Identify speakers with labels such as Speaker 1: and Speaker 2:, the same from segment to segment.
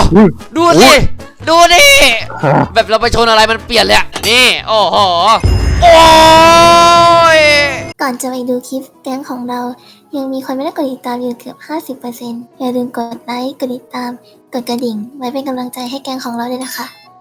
Speaker 1: ดูสิดูดิแบบเราไปชนอะไรมันเปลี่ยนเลยนี่โอ้โหโอ้ย
Speaker 2: ก่อนจะไปดูคลิปแก๊งของเรายังมีคนไม่ได้กดติดตามอยู่เกือบ 50% อย่าลืมกดไลค์ กดติดตาม กดกระดิ่ง ไว้เป็นกำลังใจให้แก๊งของเราด้วยนะคะ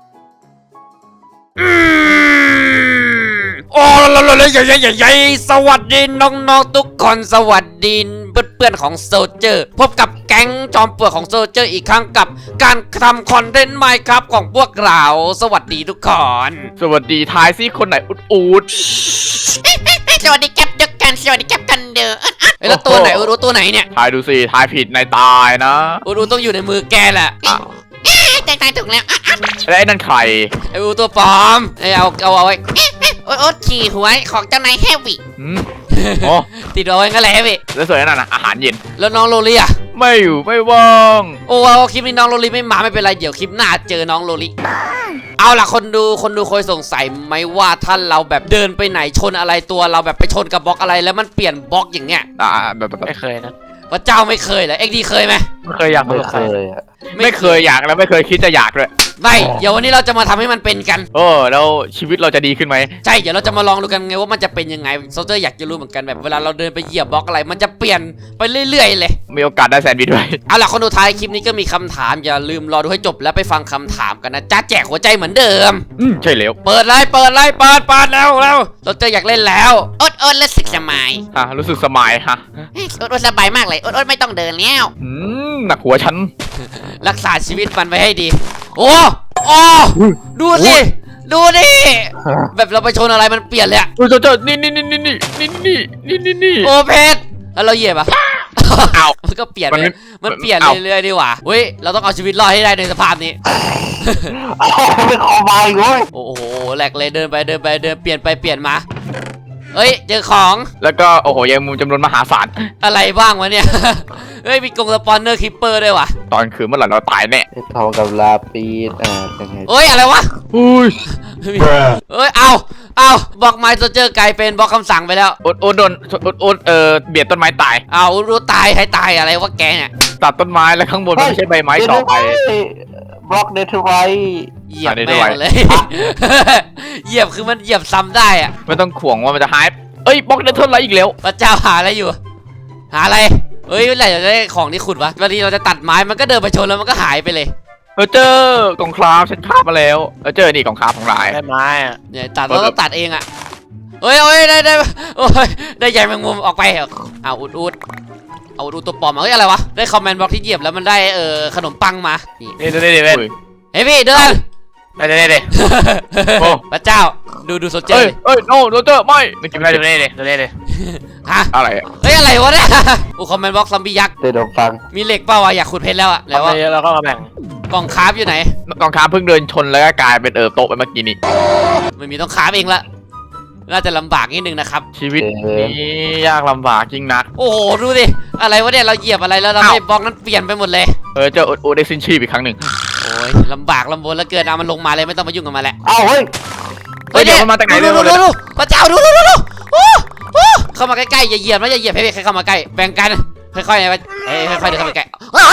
Speaker 1: โอ้เลยใหญ่สวัสดีน้องๆทุกคนสวัสดีเพื่อนๆของโซเจอร์พบกับแก๊งจอมปลวกของโซเจอร์อีกครั้งกับการทำคอนเทนต์ใหม่ครับของพวกเราสวัสดีทุกคน
Speaker 3: สวัสดีทายซิคนไหนอุด
Speaker 1: สวัสดีแก๊ปเด็กกันสวัสดีแก๊ปกันเด้อแล้วตัวไหนรู้ตัวไหนเนี่ย
Speaker 3: ทายดูสิทายผิดนายตายนะ
Speaker 1: รู้ต้องอยู่ในมือแกแหละแต่ตายถูกแล้ว
Speaker 3: และไอ้นั่นใคร
Speaker 1: ไอ้ตัวปลอมเอาไว้โอ๊ตขี่หัวของเจ้านายแฮวิ
Speaker 3: โอ้
Speaker 1: ติดเอาไว้งั้นแหละแฮวิ
Speaker 3: แล้วส่วนนั้นน่ะอาหารเย็น
Speaker 1: แล้วน้องโรลี่อะ
Speaker 3: ไม่อยู่ไม่ว่าง
Speaker 1: โอ้คลิปนี้น้องโรลี่ไม่มาไม่เป็นไรเดี๋ยวคลิปหน้าเจอน้องโรลี่เอาล่ะคนดูเคยสงสัยไหมว่าถ้าเราแบบเดินไปไหนชนอะไรตัวเราแบบไปชนกับบล็อกอะไรแล้วมันเปลี่ยนบล็อกอย่างเงี้ย
Speaker 3: แบบ
Speaker 4: ไม่เคยนะ
Speaker 1: พระเจ้าไม่เคยเหรอเอ็กดีเคยไหม
Speaker 4: ไม่เคยอยาก
Speaker 3: ไม่เคยอยากแล้วไม่เคยคิดจะอยากเลย
Speaker 1: ไม่เดี๋ยววันนี้เราจะมาทำให้มันเป็นกัน
Speaker 3: โอ้แล้วชีวิตเราจะดีขึ้นไหม
Speaker 1: ใช่เดี๋ยวเราจะมาลองดูกันไงว่ามันจะเป็นยังไงโซเจอร์อยากจะรู้เหมือนกันแบบเวลาเราเดินไปเหยียบบล็อกอะไรมันจะเปลี่ยนไปเรื่อยๆเลย
Speaker 3: มีโอกาสได้แซนด์วิชด้วย
Speaker 1: เอาล่ะคนดูท้ายคลิปนี้ก็มีคำถามอย่าลืมรอดูให้จบแล้วไปฟังคำถามกันนะจ้าแจกหัวใจเหมือนเดิม
Speaker 3: ใช่แล้ว
Speaker 1: เปิดแล้วเราเจออยากเล่นแล้วอดรู้สึกสบาย
Speaker 3: รู้สึกสมายฮะ
Speaker 1: อดสบายมากเลยอดไม่ต้องเดินแล้ว
Speaker 3: หนักหัวฉัน
Speaker 1: รักษาชีวิตมันไว้ให้ดีโอ้ดูสิแบบเราไปชนอะไรมันเปลี่ยนเลย
Speaker 3: เจ้านี่
Speaker 1: โอ้เพชรแล้วเราเหยียบเอามันก็เปลี่ยนเลยมันเปลี่ยนเรื่อยๆดีกว่าเฮ้ยเราต้องเอาชีวิตรอดให้ได้ในสภาพนี้
Speaker 4: เป็นคอบายเว้ย
Speaker 1: โอ้โหแหลกเลยเดินไปเปลี่ยนไปเปลี่ยนมาเฮ้ยเจอของ
Speaker 3: แล้วก็โอ้โหยังมุมจำนวนมหาศาล
Speaker 1: อะไรบ้างวะเนี่ย เฮ้ยมีกรงสปอนเนอร์คิปเปอร์ด้วยวะ
Speaker 3: ตอนคืนเมื่อไหร่เราตายแน่
Speaker 4: ทองกับลาปีดยังไง
Speaker 1: เฮ้ยอะไรวะ
Speaker 3: อุ้ย
Speaker 1: เฮ้ยเอาบล็อกไม้โซเจอร์กลายเป็นบล็อกคำสั่งไปแล้ว
Speaker 3: โดนเบียดต้นไม้ตาย
Speaker 1: เอารู้ตายให้ตายอะไรวะแกเนี่ย
Speaker 3: ตัดต้นไม้แล้วข้างบนมันไม่ใช่ใบไม้ต่อไป
Speaker 4: บล็อกเดทไว
Speaker 1: เหยียบแม่งเลย เหยียบคือมันเหยียบซ้ำได้อะ
Speaker 3: ไม่ต้องข่วงว่ามันจะหายบล็อกเดทเทิลไรอีกแล้ว
Speaker 1: พระเจ้าหาอะไรอยู่ หาอะไรเฮ้ยอะไรจะได้ของที่ขุดวะบางทีเราจะตัดไม้มันก็เดินไปชนแล้วมันก็หายไปเลย
Speaker 3: เจอกล่องคราฟฉันคาบมาแล้วเจอนี่กล่องคราฟของหลาย
Speaker 4: ได้ไม้อะ
Speaker 1: เนี่ยตัดเราต้องตัดเองอะเฮ้ยได้โอ้ยได้ใหญ่แมงมุมออกไปเอาอุดเอาดูตัวปลอมมาเฮ้ยอะไรวะได้คอมเมนต์บล็อกที่เหยียบแล้วมันได้ขนมปังมานี่
Speaker 4: นี่ดูดิเว้ย
Speaker 1: เฮ้ยพี่เดิน
Speaker 4: ได้
Speaker 1: พระเจ้าดูโซเจอร์ดิ
Speaker 3: โนโรเจอร์ไม่
Speaker 4: ไม่กินได้ดูดิ
Speaker 1: ฮะ
Speaker 3: อะไร
Speaker 1: เฮ้ยอะไรวะเนี่ยคอมเมนต์บล็อกซอมบี้ยักษ์
Speaker 4: เดดฟัง
Speaker 1: มีเหล็กเปล่าวะอยากขุดเพชรแล้วอะแล้วว่า
Speaker 4: แล้วก็มาแบ่ง
Speaker 1: กล่องคราฟอยู่ไหน
Speaker 3: กล่องคราฟเพิ่งเดินชนแล้วก็กลายเป็นโต๊ะไปเมื่อกี้นี้
Speaker 1: ไม่มีต้องคราฟเองละน่าจะลำบากนิดนึงนะครับ
Speaker 3: ชีวิตนี้ยากลำบากจริงนัก
Speaker 1: โอ้โหดูดิอะไรวะเนี่ยเราเหยียบอะไรแล้วเราไม่บล็อกนั้นเปลี่ยนไปหมดเลย
Speaker 3: เจอโอได้สิ้นชีพอีกครั้งหนึ่ง
Speaker 1: โอ้ยลำบากลำบนแล้วเกินเอามันลงมาเลยไม่ต้องมายุ่งกับมันแหละ
Speaker 4: อ้าวเฮ้ย
Speaker 3: เดี๋ยวมันมาจากไหน
Speaker 1: ดู
Speaker 3: เนี่ย
Speaker 1: พระเจ้าดูเข้ามาใกล้ๆอย่าเหยียบนะอย่าเหยียบให้ใครเข้ามาใกล้แบ่งกันค่อยๆนะค่อยๆเดินเข้ามาใกล้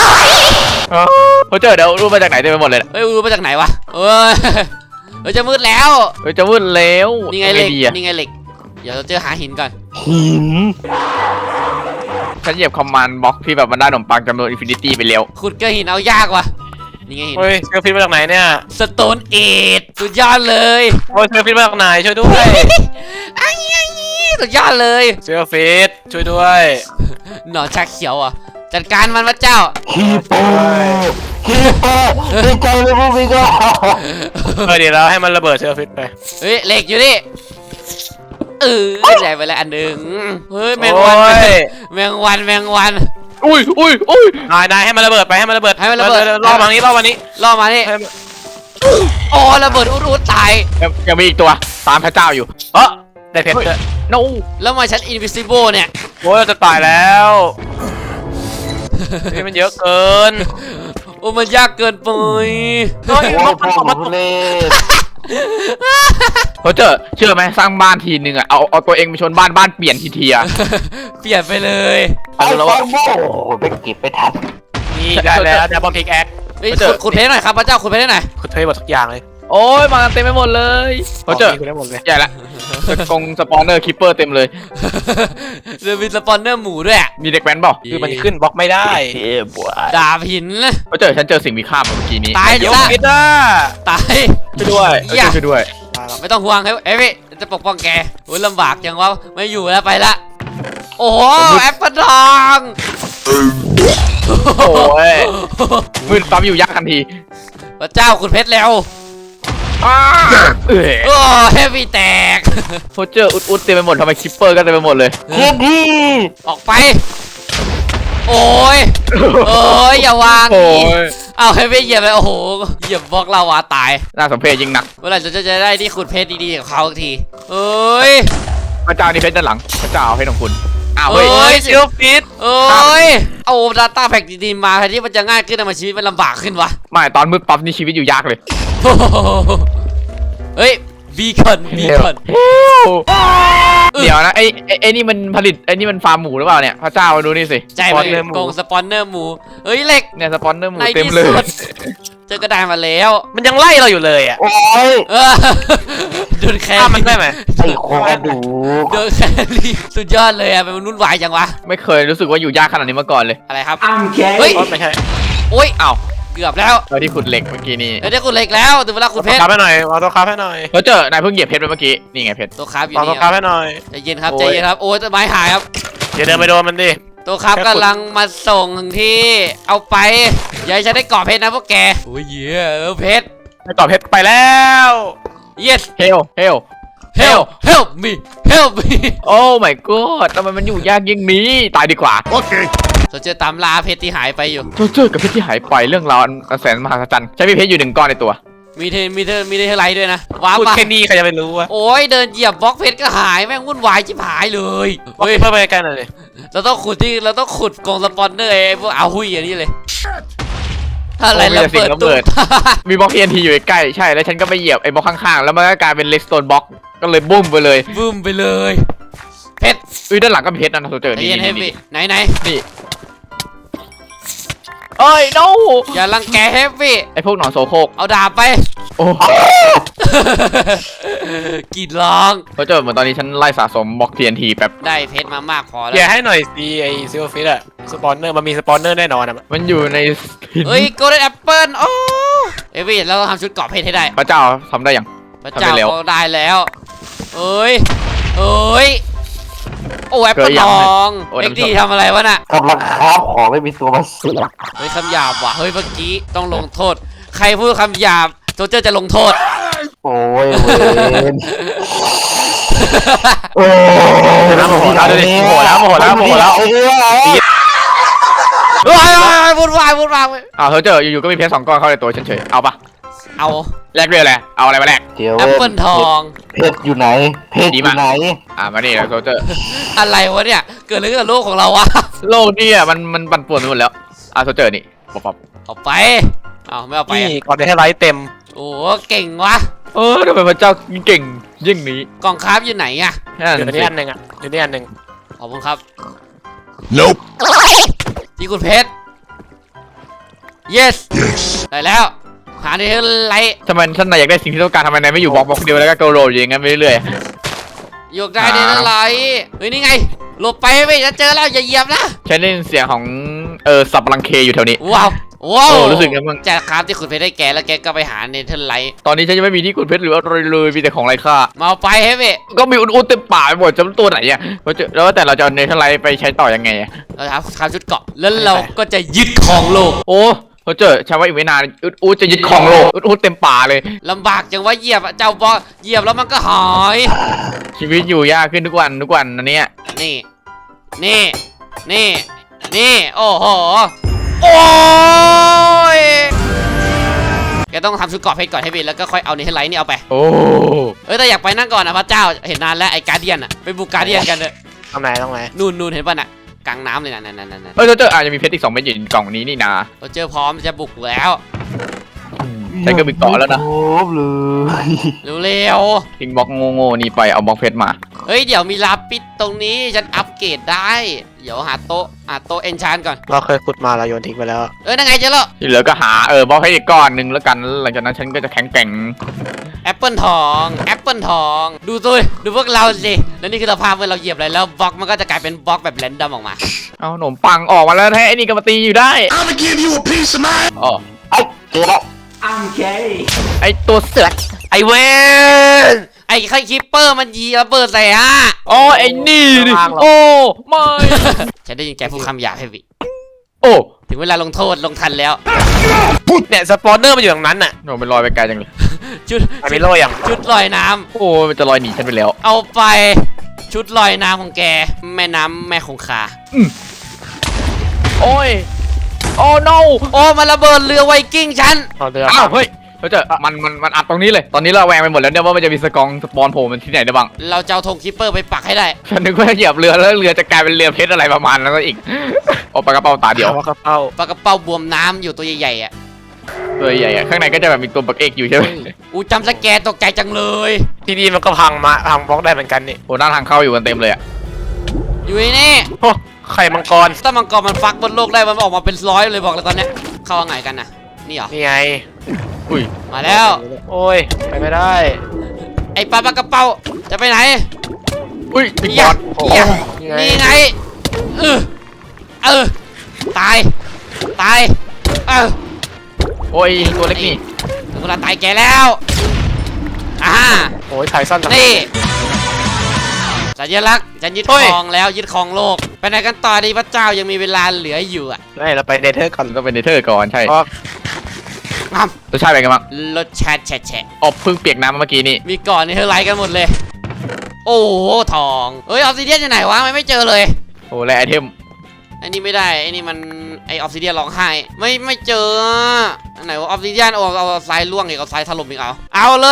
Speaker 3: เจอเดี๋ยวรู้มาจากไหนเต็มไปหมดเลย
Speaker 1: เฮ้ยรู้มาจากไหนวะเฮ้ยจะมืดแล้ว
Speaker 3: จะวุ่นแล้ว
Speaker 1: นี่ไงเหล็กนี่ไงเหล็กเดี๋ยวเราเจอหาหินก่อน
Speaker 4: หิน
Speaker 3: ฉันเหยียบคอมมานด์บล็อกที่แบบมันได้ขนมปังจำนวนอินฟินิตี้ไปแล้ว
Speaker 1: ขุดก็หินเอายากว่ะนี่ไงหิน
Speaker 4: เฮ้ยเซอร์ฟิตมาจากไหนเนี่ย
Speaker 1: สโตนเอทสุดยอดเลย
Speaker 4: โอ้ยเซอร์ฟิตมาจากไหนช่วยด้วย
Speaker 1: สุดยอดเลย
Speaker 4: เซอร์ฟิตช่วยด้วย
Speaker 1: หนอนชักเขียวอ่ะจัดการมันพระเจ้า
Speaker 4: คีโปดีใจเลยพวกพี่ก็เดี๋ยวเราให้มันระเบิดเซอร์ฟิตไป
Speaker 1: เฮ้ยเหล็กอยู่นี่ใหญ่ไปแล้วอันหนึ่งเฮ้ยแมงวันแมงวัน
Speaker 3: อุ้ย
Speaker 4: นายให้มันระเบิดไปให้มันระเบิด
Speaker 1: ให้มันระเบิด
Speaker 4: รอบวันนี้
Speaker 1: ล่อมานี่โอ้ระเบิดอุดตาย
Speaker 3: ยังมีอีกตัวตามพระเจ้าอยู่
Speaker 4: ได้เพชรด้วย
Speaker 3: no
Speaker 1: แล้วมาฉัน invisible เนี่ย
Speaker 4: โอ้ยจะตายแล้วนี่มันเยอะเกิน
Speaker 1: โอ้มันยากเกินไป
Speaker 4: เฮ้ยมันตกเล่
Speaker 3: เชื่อไหมสร้างบ้านทีนึงอ่ะเอาตัวเองไปชนบ้านเปลี่ยนทีอ่ะ
Speaker 1: เปลี่ยนไปเลย
Speaker 4: เอาแล้วว่าโอ้โหไปเก็บไปทันนี่ได้แล้วบอมพิกแอค
Speaker 1: เฮ้ยขุดเพชรหน่อยครับพระเจ้าขุดเพชรหน่อย
Speaker 4: คุณเทหมดทุกอย่างเลย
Speaker 3: โอ้ยมากันเต็มไปหมดเลยเขาเจอ
Speaker 4: คุณได้หมดเลย
Speaker 3: ใหญ่ละกงสปอนเนอร์คิปเปอร์เต็มเลย
Speaker 1: เรือมีสปอนเนอร์หมูด้วย
Speaker 3: มีเด็กแว้นเปล่า
Speaker 4: คือมันขึ้นบล็อกไม่ได้
Speaker 1: ดาบหิน
Speaker 3: เขาเจอฉันเจอสิ่งมีค่าเมื่อกี้นี้
Speaker 1: ตาย
Speaker 4: เดี๋ยว
Speaker 1: ซะ
Speaker 4: คิดว่า
Speaker 1: ตาย
Speaker 3: ช่วยด้วยช่วยด้วย
Speaker 1: ไม่ต้องห่วงเฮ้ยจะปกป้องแกโอ้ยลำบากจังวะไม่อยู่แล้วไปละโอ้โหแอปเปิลทอง
Speaker 3: โอ้ยมืดปั๊มอยู่ยักษ์ทันที
Speaker 1: พระเจ้าขุดเพชรแล้ว โอ้เฮฟวี่แตก
Speaker 3: โซเจอร์อุดเต็มไปหมดทำไมคิปเปอร์ก็เต็มไปหมดเลย
Speaker 1: ออกไปโอ้ยอย่าวาง
Speaker 3: โอ้ย
Speaker 1: เอาเฮฟวี่เหยียบเลยโอ้โหเหยียบบล็อกลาวาตาย
Speaker 3: น่าสมเพชยิ่งนัก
Speaker 1: เมื่อไหร่จะได้ที่ขุดเพชรดีๆกับเขาทีเอ้ย
Speaker 3: พระเจ้านี่เพชรด้านหลังพระเจ้าเอาเพชรของคุณอ้าว
Speaker 1: เอ้
Speaker 3: เฮ้ย
Speaker 1: ย
Speaker 4: เซียวฟิต
Speaker 1: เอ้ยเอาดัตต้าแพ็กดีๆมาแทนที่มันจะง่ายขึ้นทำไมชีวิตมันลำบากขึ้นวะ
Speaker 3: ไม่ตอนมืดปั๊บนี่ชีวิตอยู่ยากเลย
Speaker 1: เฮ้ยบีคอน
Speaker 3: เดี๋ยวนะไอ้นี่มันผลิตไอ้นี่มันฟาร์มหมูหรือเปล่าเนี่ยพระเจ้ามาดูนี่สิ
Speaker 1: ใจมันโกงสปอนเนอร์หมูเฮ้ยเหล็ก
Speaker 3: เนี่ยสปอนเนอร์หมู
Speaker 1: ใน
Speaker 3: เต็ม
Speaker 1: ที่
Speaker 3: เลย
Speaker 1: สุดเจอกระดานมาแล้ว
Speaker 4: มันยังไล่เราอยู่เลยอ่ะ
Speaker 5: โอ้ย
Speaker 1: เออโดนแค
Speaker 4: ฆ่ามันได้ไหม
Speaker 5: ไอ้โคกระดูก
Speaker 1: โดนแครี่สุดยอดเลยอะเป็นมนุษย์วายจังวะ
Speaker 3: ไม่เคยรู้สึกว่าอยู่ยากขนาดนี้มาก่อนเลย
Speaker 1: อะไรครับ
Speaker 5: อ้ำแค่
Speaker 1: เฮ้ย
Speaker 4: ไม่ใช่
Speaker 1: โอ้ย
Speaker 3: อ้าว
Speaker 1: เกือบแล้ว
Speaker 3: เราที่ขุดเหล็กเมื่อกี้นี้
Speaker 1: เดี๋ยวขุดเหล็กแล้วถึงเวลาขุดเพชร
Speaker 4: คาให้หน่อยเอาตัวคาให้หน่อย
Speaker 3: เราเจอนายเพิ่งเหยียบเพชรไปเมื่อกี้นี่ไงเพชร
Speaker 1: ตัวคราฟอยู่
Speaker 4: เอาตัว
Speaker 1: นี่
Speaker 4: คาให้หน่อย
Speaker 1: ใจเย็นครับ
Speaker 3: โอ้ย
Speaker 1: ใจเย็นครับโอ้ยต้นไม้หายครับ
Speaker 4: อย่าเดินไปโดนมันดิ
Speaker 1: ตัวคราฟ
Speaker 4: แค่ขุด
Speaker 1: กำลังมาส่งถึงที่เอาไปอย่าให้ฉันได้เกาะเพชรนะพวกแกโอ้ยเหี้ยเพชร
Speaker 4: ไปต่อเพชรไปแล้ว
Speaker 1: yes
Speaker 3: เฮล
Speaker 1: help me help me
Speaker 3: โอ้ my god ทำไมมันอยู่ยากยิ่งนี้ตายดีกว่า
Speaker 1: เราเจอตามล่าเพชรที่หายไปอยู่
Speaker 3: เจอกับเพชรที่หายไปเรื่องราวอันแสนมหัศจรรย์ใช้มีเพชรอยู่1 ก้อนในตัว
Speaker 1: มีเทไลท์ด้วยนะว้าว
Speaker 4: พูด
Speaker 1: ปะ
Speaker 4: แค่นี้ใครจะไปรู้วะ
Speaker 1: โอ้ยเดินเหยียบบล็อกเพชรก็หายแม่งวุ่นวายชิบหายเลย
Speaker 4: เฮ้
Speaker 1: เฮ้
Speaker 4: ย
Speaker 1: ย
Speaker 4: เพิ่มไปใกล้หน่อยดิ
Speaker 1: เราต้องขุดกองสปอนเนอร์ไอ้พวกเอาหุยอย่างนี้เลยอะไรระเบิดตุ้ม
Speaker 3: มีบล็อก TNT อยู่ใกล้ใช่แล้วฉันก็ไปเหยียบไอ้บล็อกข้างๆแล้วมันก็กลายเป็นเลสโตนบล็อกก็เลยบุ้มไปเลย
Speaker 1: บึ้มไปเลยเพชร
Speaker 3: ด้านหลังก็มีเพชรนะโซเจอ
Speaker 1: ใจ
Speaker 3: นี่
Speaker 1: เย็นเฮฟ
Speaker 3: นี่
Speaker 1: วี่ไหน
Speaker 3: นี่เอ้ย no
Speaker 1: อย่ารังแกเฮฟวี่
Speaker 3: ไอ้พวกหนอนโซโครก
Speaker 1: เอาดาบไป
Speaker 3: โอ้
Speaker 1: กรีดร้อง
Speaker 3: โซเจอเหมือนตอนนี้ฉันไล่สะสมบล็อก TNT แป๊บ
Speaker 1: ได้เพชรมามากพอแล้ว
Speaker 4: อย่าให้หน่อยสิไอเซียวฟิตอะสปอนเนอร์มันมีสปอนเนอร์แน่นอนอะ
Speaker 3: มันอยู่ในหิน
Speaker 1: เฮ้ยโกลเด้นแอปเปิลโอ้เฮฟวี่เราต้องทำชุดเกราะเพชรให้ได้
Speaker 3: พระเจ้าทำได้ยัง
Speaker 1: พระเจ้า
Speaker 3: ทำได้แล้ว
Speaker 1: เขาได้แล้วเอ้ยโอ้แอปเปิลทอง
Speaker 3: โอ้ย
Speaker 1: เอ็ก
Speaker 3: น้ำ
Speaker 1: ดี
Speaker 3: ส้ม
Speaker 1: ทำอะไรวะน่ะ
Speaker 5: กำลังค้าของไม่มีตัวมาเสือก
Speaker 1: เฮ้ยคำหยาบว่ะเฮ้ยเมื่อกี้ต้องลงโทษ ใครพูดคำหยาบโจเจอร์จะลงโทษ
Speaker 5: โอ้ยเวนโอ้ย
Speaker 3: น้ำโมโหแล้วดูดิโมโหแล้ว
Speaker 1: ว้ายวุ่นวาย
Speaker 3: อ้าวโซเจออยู่ๆก็มีเพชร2 ก้อนเข้าในตัวฉันเฉยเอาปะ
Speaker 1: เอา
Speaker 3: แลกเรื่องอะไรเอาอะไรมาแลก
Speaker 5: เดี๋ยว
Speaker 1: แอปเปิลทอง
Speaker 5: เพชรอยู่ไหน เพชรอยู่ไหน
Speaker 3: มานี่แล้วโซเจอร์
Speaker 1: อะไรวะเนี่ยเกิดอะไรขึ้นกับโลกของเราวะ
Speaker 3: โลกนี่มันปั่นป่วนไปหมดแล้วโซเจอร์นี่ป๊อป
Speaker 1: เอาไปเอาไม่เอาไป
Speaker 4: นี่
Speaker 1: อะ
Speaker 4: ก่อนจะให้ไลท์เต็ม
Speaker 1: โอ้เก่งวะ
Speaker 3: ทำไมพระเจ้าเก่งยิ่งนี้
Speaker 1: กองคราฟอยู่ไหนอะ
Speaker 4: อยู่ในนี้อันหนึ่งอะอยู่ในนี้อันหนึ่ง
Speaker 1: ขอบคุณครับ
Speaker 6: Nope.
Speaker 1: ที่คุณเพชร yes ได้แล้วหาในเทไลท์
Speaker 3: ทำไมท่านนายอยากได้สิ่งที่ต้องการทำไมนายไม่อยู่บล็อกเดียวแล้วก็โกโรอย่างงั้นไปเรื่อย
Speaker 1: ยกได้ในเทไลท์เฮ้ยนี่ไงหลบไปไม่จะเจอแล้วอย่าเหยียบนะ
Speaker 3: ฉันได้ยินเสียงของสับลังเคอยู่แถวนี้
Speaker 1: ว้าวว้าว
Speaker 3: รู้สึกไงบ้าง
Speaker 1: จากคราฟที่คุณเพชรได้แกแล้วแกก็ไปหาในเทไลท์
Speaker 3: ตอนนี้ฉันยังไม่มีที่ขุดเพชรหรืออะไรเลยมีแต่ของไร้ค่า
Speaker 1: มาเอาไปเฮ้ย
Speaker 3: ก็มีอุดๆเต็มป่าไปหมดจะเป็นตัวไหนอ่ะแล้วแต่เราจะเอาเนเธอร์ไลท์ไปใช้ต่อยังไงอ่ะ
Speaker 1: เราทำชุดเกราะแล้วเราก็จะยึดครองโลก
Speaker 3: โอ้เขาเจอฉันว่าอีกไม่นานอุดจะยึดของโลกอุดเต็มป่าเลย
Speaker 1: ลำบากจังว่าเหยียบอะเจ้าบอเหยียบแล้วมันก็หาย
Speaker 3: ชีวิตอยู่ยากขึ้นทุกวันอันเนี้ย
Speaker 1: นี่โอ้โหโอ้ยแกต้องทำชุดเกราะเพชรก่อนให้บินแล้วก็ค่อยเอาในเทไลท์นี่เอาไป
Speaker 3: โอ้
Speaker 1: แต่อยากไปนั่งก่อนนะพระเจ้าเห็นนานแล้วไอ้การเดียนอะไปบุกการเดียนกันเลย
Speaker 4: ตรงไหน
Speaker 1: นู่นเห็นป่ะน่ะกลางน้ำเลยนั่น
Speaker 3: เขาเจออาจจะมีเพชรอีก2 เม็ดอยู่ในกล่องนี้นี่นา
Speaker 1: เราเจอพร้อมจะบุกแล้ว
Speaker 3: ฉันก็มีเกาะแล้วนะ
Speaker 5: โอ้เลย
Speaker 1: เร็ว
Speaker 3: ทิ้งบล็อกโง่ๆนี่ไปเอาบล็อกเพชรมา
Speaker 1: ๆเฮ้ยเดี๋ยวมีลาปิดตรงนี้ฉันอัปเกรดได้เดี๋ยวหาโต๊ะเอนชานก่อน
Speaker 4: เราเคยขุดมาเราโยนทิ้งไปแล้ว
Speaker 1: นั่นไงเจอแล้ว
Speaker 3: ที่เหลือก็หาบล็อกให้อีกก้อนหนึ่งแล้วกันหลังจากนั้นฉันก็จะแข็งแกร่ง
Speaker 1: แอปเปิลทองดูตัวดูพวกเราสิแล้วนี่คือสภาพเมื่อเราเหยียบอะไรแล้วบล็อกมันก็จะกลายเป็นบล็อกแบบแรนดอมออกมา
Speaker 3: เอาขนมปังออกมาแล้วให้ไอ้นี่ก็มาตีอยู่ได้
Speaker 6: I'ma give you a piece of mind.
Speaker 3: อ๋อ
Speaker 5: ไอ้เจอแล้ว
Speaker 3: ไอ้ตัวเสือก
Speaker 4: ไอเวน
Speaker 1: ไอ้ไข่คิปเปอร์มันยีระเบิดใส่ฮะ
Speaker 3: อ๋อไอ้นี่ดิโอ้ไม่
Speaker 1: ฉันได้ยินแกพูดคำหยาบให้วิ
Speaker 3: โอ้
Speaker 1: ถึงเวลาลงโทษลงทันแล้ว
Speaker 4: เนี่ยสปอนเนอร์มันอยู่ตรงนั้นน่ะ
Speaker 3: โหมันลอยไปไกลจังเลย
Speaker 1: ชุด
Speaker 4: ไอมิโลยัง
Speaker 1: ชุดลอยน้ำ
Speaker 3: โอ้มันจะลอยหนีฉันไปแล้ว
Speaker 1: เอาไปชุดลอยน้ำของแกแม่น้ำแม่คงคา
Speaker 3: โอ้ยโอ้ no
Speaker 1: โอ้มันระเบิดเรือไวกิ้งฉัน
Speaker 4: เอาเรือ
Speaker 3: อ้าวเฮ้ยเขาจะมันอัดตรงนี้เลยตอนนี้เราแวงไปหมดแล้วเนี่ยว่ามันจะมีสปอนโผล่มันที่ไหนได้บ้าง
Speaker 1: เราจะเอาธงคิปเปอร์ไปปักให้ได้
Speaker 3: ฉันนึกว่าเหยียบเรือแล้วเรือจะกลายเป็นเรือเพชรอะไรประมาณนั้นก็อีก โอ้ปลากระเป๋าตาเดียว
Speaker 4: เอาว่ากระเป๋า
Speaker 1: ปลากระเป๋าบวมน้ำอยู่ตัวใหญ่ๆอ่ะ
Speaker 3: ตัวใหญ่ๆข้างในก็จะแบบมีตัวปักเอกอยู่ใช่ไหม
Speaker 1: อูจำสแกนตกใจจังเลย
Speaker 4: ที่นี่มันก็พังบล็อกได้เหมือนกันนี่
Speaker 3: โอ้หน้าทางเข้าอยู่กันเต็มเลยอะ
Speaker 1: อยู่ในนี่
Speaker 4: โอ้ไข่มังกร
Speaker 1: ถ้ามังกรมันฟักบนโลกได้มันออกมาเป็นร้อยเลยบอกเลยตอนเนี้ยเข้าว่าไงกันนะนี่เหรอ
Speaker 4: นี่ไง
Speaker 3: อุ้ย
Speaker 1: มาแล้ว
Speaker 4: โอ้ยไปไม่ได้
Speaker 1: ไอ้ปลากระเป๋าจะไปไหน
Speaker 3: อุ้ยบิ๊ก
Speaker 1: อบ ย่า
Speaker 3: อส
Speaker 1: อย่า
Speaker 4: นี่ไง
Speaker 1: นี่ไงตาย
Speaker 3: โอ้ยตัวเล็กนี่
Speaker 1: ถึงเวลาตายแกแล้วอ่า
Speaker 4: โอ้ยไข่สั้นจัง
Speaker 1: นี่สัญลักษณ์ฉันยึด
Speaker 4: เฮ้
Speaker 1: ค
Speaker 4: ย
Speaker 1: รองแล้วยึดครองโลกไปไหนกันต่อดีพระเจ้ายังมีเวลาเหลืออยู่อ่ะ
Speaker 4: ไม่เราไปเนเธอร์ก่อน
Speaker 3: ต้องเป็นเนเธอร์ก่อนใช่
Speaker 4: เพราะ
Speaker 1: งาม
Speaker 3: รสชาติเป็นไงบ้าง
Speaker 1: รสชาติแฉะ
Speaker 3: อบเพิ่งเปียกน้ำเมื่อกี้นี่
Speaker 1: มีก่อนนี่เธอไลค์กันหมดเลย โอ้โหทองเอ้ยออฟซิเดียนอยู่ไหนวะไม่เจอเลย
Speaker 3: โอ้และไอเทม
Speaker 1: อันนี้ไม่ได้ไอ้นี่มันไอออฟซิเดียนร้องไห้ไม่เจออันไหนว่าออฟซิเดียนเอาทรายล่วงอีกเอาทรายถล่มอีกเอาเลย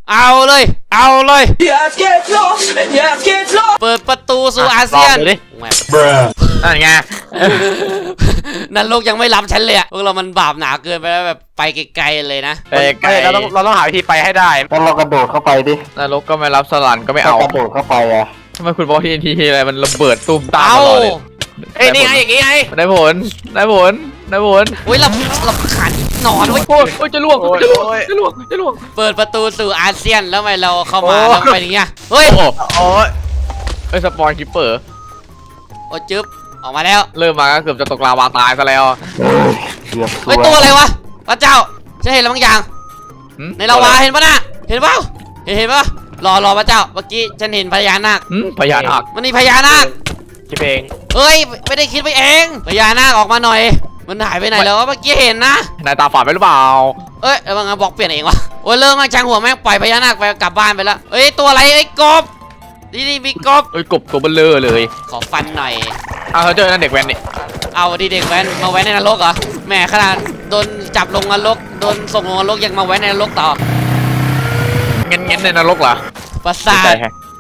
Speaker 6: Yes, get lost. Yes, get lost.
Speaker 1: เปิดประตูสู่อาเซียน
Speaker 4: ลองดูดิ
Speaker 1: แหวะ
Speaker 3: นั่นไง
Speaker 1: นรกยังไม่รับฉันเลยอะพวกเรามันบาปหนาเกินไปแล้วแบบไปไกลๆเลยนะ
Speaker 3: ไปไกล
Speaker 4: ไม่เราต้องหาวิธีไปให้ได้
Speaker 5: แล้วเรากระโดดเข้าไปดิ
Speaker 3: นรกก็ไม่รับสลันก็ไม่
Speaker 5: เรา
Speaker 3: เอา
Speaker 5: กระโดดเข้าไปอ่ะ
Speaker 3: ทำไมคุณบอกทีอะไรมันระเบิดตุ้มตาม
Speaker 1: เอา
Speaker 3: ตลอดเลย
Speaker 4: เอ้ยนี่ไงอย่างงี้ไง
Speaker 3: ได้ผล
Speaker 1: โอ้ยเราขันหนอนเว้ย
Speaker 3: โอ้ยจะล่วงจะล่วง
Speaker 1: เปิดประตูสู่อาเซียนแล้วทำไมเราเข้ามาแล้วไปอย่างเงี้ยเฮ้ย
Speaker 3: โอ้
Speaker 4: โอ้ย
Speaker 3: ไอสปอนคิปเปอร์
Speaker 1: โอ้จึ๊บออกมาแล้ว
Speaker 3: เริ่มมาก็เกือบจะตกลาวาตายซะแล้ว
Speaker 5: เฮ้ยเกือบ
Speaker 1: เฮ้ยตัวอะไรวะพระเจ้าฉันเห็นแล้วบางอย่าง ในลาวาเห็นปะน่ะเห็นเปล่าเห็นปะรอพระเจ้าเมื่อกี้ฉันเห็นพญานาค
Speaker 3: พญานาค
Speaker 1: มันมีพญานาค
Speaker 4: คิดเอง
Speaker 1: เฮ้ยไม่ได้คิดไปเองพญานาคออกมาหน่อย มันหายไปไหนแล้ววะเมื่อกี้เห็นนะ
Speaker 3: นายตาฝาดไปหรือเปล่า
Speaker 1: เอ้ยแล้วมันบอกเปลี่ยนเองวะโอ้ยเริ่มมาช่างหัวแม่งปล่อยพญานาคไปกลับบ้านไปแล้วเอ้ยตัวอะไรไอ้กบนี่มีกบ
Speaker 3: เอ้ยกบตัวเบลเลอร์เลย
Speaker 1: ขอฟันหน่อย
Speaker 3: เอาเขาเจอนั่นเด็กแว้นนี่
Speaker 1: เอาดิเด็กแว้นมาแว้นในนรกเหรอแหมขนาดโดนจับลงนรกโดนส่งลงนรกยังมาแว้นในนรกต่อ
Speaker 3: เงี้ยในนรกเหรอ
Speaker 1: ประสาท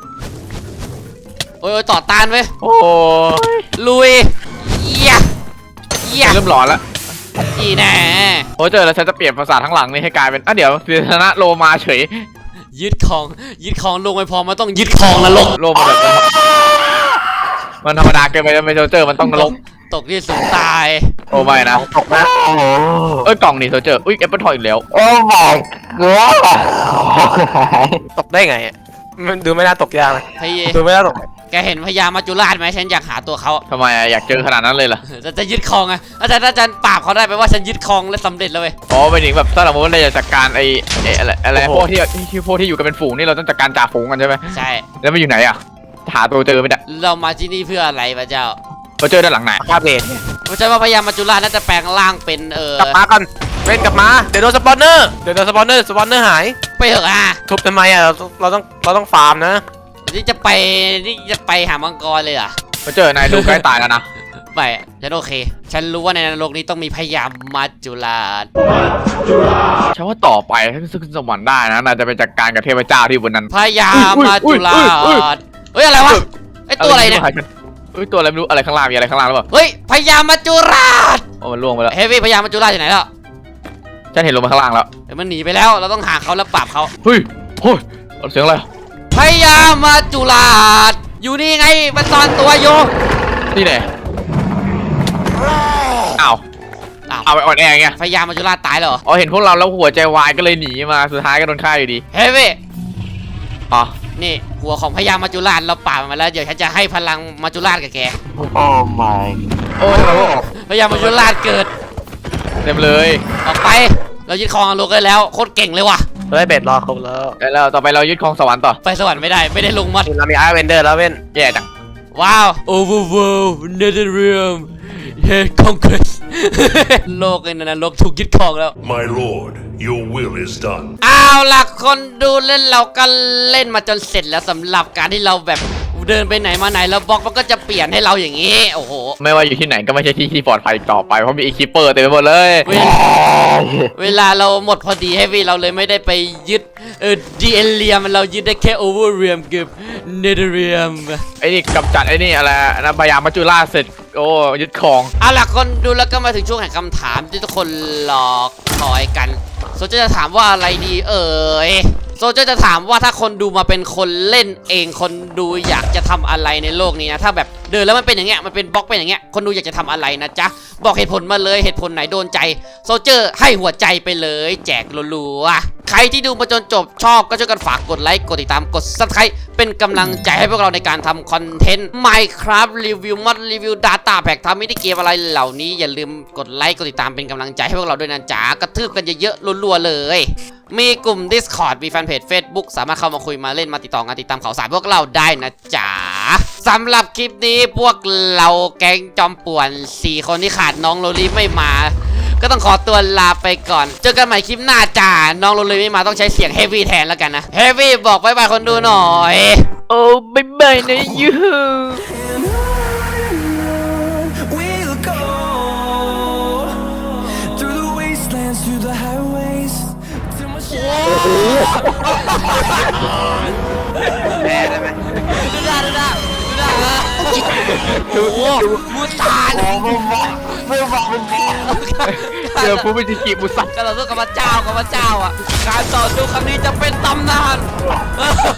Speaker 1: โอ้ยต่อต้านเว้ย
Speaker 3: โอ้ย
Speaker 1: ลุยเยี่ย
Speaker 3: เริ่มหลอนแล้ว
Speaker 1: อีแน่
Speaker 3: โอ้เจอแล้วฉันจะเปลี่ยนภาษาทั้งหลังนี่ให้กลายเป็นเดี๋ยวศิษนะโลมาเฉย
Speaker 1: ยึดของลงไม่พอมันต้องยึดของนรก
Speaker 3: โลมาแบบมันธรรมดาเกินไปไม่เจอมันต้องนรก
Speaker 1: ตกที่สูงตาย
Speaker 3: โอ้ไม่นะ
Speaker 5: ตกนะโอ้โห
Speaker 3: เอ้ยกล่องนี่เจออุ้ยแอปเปิลทอยอีกแล้ว
Speaker 5: โอ้ my god ของหาย
Speaker 4: ตกได้ไงอะมันดูไม่น่าตกยากเลย
Speaker 1: พี่
Speaker 4: ดูไม่น่าตก
Speaker 1: แกเห็นพญามัจจุราชไหมฉันอยากหาตัวเขา
Speaker 3: ทำไมอยากเจอขนาดนั้นเลยล่ะ
Speaker 1: จะยึดครองไงอาจารย์ถ้าฉันปราบเขาได้แปลว่าฉันยึดครองและสำเร็จแล้วเว้ย
Speaker 3: อ๋อไปถึงแบบถ้าเราว่าเราจะจัดการไอ้อะไรพวกที่อยู่กันเป็นฝูงนี่เราต้องจัดการจ่าฝูงกันใช่ไหม
Speaker 1: ใช่
Speaker 3: แล้วมันอยู่ไหนอ่ะหาตัวเจอไม่ได้
Speaker 1: เรามาที่นี่เพื่ออะไรพระเจ้า
Speaker 3: เราเจอด้านหลังไหน
Speaker 4: ภาพเลนเนี่ย
Speaker 1: เพราะฉะนั้นว่าพญามัจจุราชน่าจะแปลงร่างเป็น
Speaker 4: กลับมากันเป็นกลับมาเดี๋ยวโดนสปอนเนอร์สปอนเนอร์หาย
Speaker 1: ไปเถอะอ่ะ
Speaker 4: ทุบทำไมอะเราต้องฟาร์มนะ
Speaker 1: นี่จะไปหามังกรเลยเหรอ่ะ
Speaker 3: เราเจอนายดูใกล้ตายแล้วนะ
Speaker 1: ไม่ฉันโอเค ฉันรู้ว่าในนรกนี้ต้องมีพญามัจจุราช
Speaker 3: ฉันว่าต่อไปถ้าขึ้นสวรรค์ได้นะน่าจะไปจัดการกับเทพเจ้าที่บนนั้น
Speaker 1: พญามัจจุราชเฮ้ยอะไรวะไอตัวอะไรเนี่ย
Speaker 3: เฮ้ยตัวอะไรไม่รู้อะไรข้างล่างมีอะไรข้างล่างหรือเปล่า
Speaker 1: เฮ้ยพญามัจจุราช
Speaker 3: โอ้มันล่วงไปแล้ว
Speaker 1: เฮ้ยพญามัจจุราชอยู่ไหนแล้ว
Speaker 3: ฉันเห็นลงมาข้างล่างแล้ว
Speaker 1: เดี๋ยวมันหนีไปแล้วเราต้องหาเขาแล้วปราบเขา
Speaker 3: เฮ้ยเสียงอะไร
Speaker 1: พญามัจจุราชอยู่นี่ไงมันซ่อนตัวอยู่
Speaker 3: นี่ไหนอ้าว
Speaker 1: อ้าว
Speaker 3: เอาไปอ่อนแอไง
Speaker 1: พญามัจจุราชตายแล้วเหรอ
Speaker 3: อ๋อเห็นพวกเราแล้วหัวใจวายก็เลยหนีมาสุดท้ายก็โดนฆ่าอยู่ดี
Speaker 1: เฮ้ยเว้ย
Speaker 3: อ๋อ
Speaker 1: นี่หัวของพญามัจจุราชเราป่าบมันมาแล้วเดี๋ยวฉันจะให้พลังมัจจุราชกับแก
Speaker 5: โอ้ my
Speaker 3: โอ้ยเราออก
Speaker 1: พญามัจจุราชเกิด
Speaker 3: เต็มเลย
Speaker 1: ออกไปเรายึดครองอโลกได้แล้วโคตรเก่งเลยว่ะ
Speaker 4: เฮ้ยเบ็ดรอครบแล้ว
Speaker 3: แล้วต่อไปเรายึดครองสวรรค์ต่อ
Speaker 1: ไปสวรรค์ไม่ได้ลงมัด
Speaker 4: เรามีอาร์เวนเดอร์แล้วเว้น
Speaker 3: แย่จัง
Speaker 1: ว้าว Overworld Netherrealm Head Conquest โลกไอ้นั่นนะโลกถูกยึดครองแล้ว
Speaker 6: My lord, your will is done.
Speaker 1: เอาล่ะคนดูเล่นเราก็เล่นมาจนเสร็จแล้วสำหรับการที่เราแบบเดินไปไหนมาไหนแล้วบล็อกมันก็จะเปลี่ยนให้เราอย่างนี้ โอ้โห
Speaker 3: ไม่ว่าอยู่ที่ไหนก็ไม่ใช่ที่ที่ปลอดภัยอีกต่อไปเพราะมีอีคิปเปอร์เต็มไปหมดเลย
Speaker 1: เวลาเราหมดพอดีให้วีเราเลยไม่ได้ไปยึดดีเอเลียมเรายึดได้แค่ Overrealm กับ Netherrealm
Speaker 3: ไอ้นี่กำจัดไอ้นี่อะไรนะพยามัจจุราชเสร็จโอ้ยึดครอง
Speaker 1: เอาล่ะคนดูแล้วก็มาถึงช่วงแห่งคำถามที่ทุกคนรอคอยกันโซเจอร์จะถามว่าอะไรดีโซเจอร์จะถามว่าถ้าคนดูมาเป็นคนเล่นเองคนดูอยากจะทำอะไรในโลกนี้นะถ้าแบบเดินแล้วมันเป็นอย่างเงี้ยมันเป็นบล็อกเป็นอย่างเงี้ยคนดูอยากจะทำอะไรนะจ๊ะบอกเหตุผลมาเลยเหตุผลไหนโดนใจโซเจอร์ให้หัวใจไปเลยแจกรัวๆใครที่ดูมาจนจบชอบก็ช่วยกันฝากกดไลค์กดติดตามกด Subscribe เป็นกำลังใจให้พวกเราในการทำคอนเทนต์ Minecraft รีวิวมอดรีวิว Data Pack ทำมินิเกมอะไรเหล่านี้อย่าลืมกดไลค์กดติดตามเป็นกำลังใจให้พวกเราด้วยนะจ๊ะกระทืบกันเยอะๆรัวๆเลยมีกลุ่ม Discord มีแฟนเพจ Facebook สามารถเข้ามาคุยมาเล่นมาติดต่องานติดตามข่าวสารพวกเราได้นะจ๊ะสำหรับคลิปนี้พวกเราแก๊งจอมป่วน4คนที่ขาดน้องโรลี่ไม่มาก็ต้องขอตัวลาไปก่อนเจอกันใหม่คลิปหน้าจ้าน้องโรลี่ไม่มาต้องใช้เสียงเฮฟวี่แทนแล้วกันนะเฮฟวี่บอกบายบายคนดูหน่อย
Speaker 3: โอ้บายบายนะยู
Speaker 7: We'll go through the wastelands, through the highways, till my shadow.
Speaker 4: แพ้ได้ไหม
Speaker 1: โอ้โหมูตาน
Speaker 3: เจอผู้พิจิกิมุสัต
Speaker 1: การต่อสู้กับพระเจ้าอ่ะการต่อสู้ครั้งนี้จะเป็นตำนาน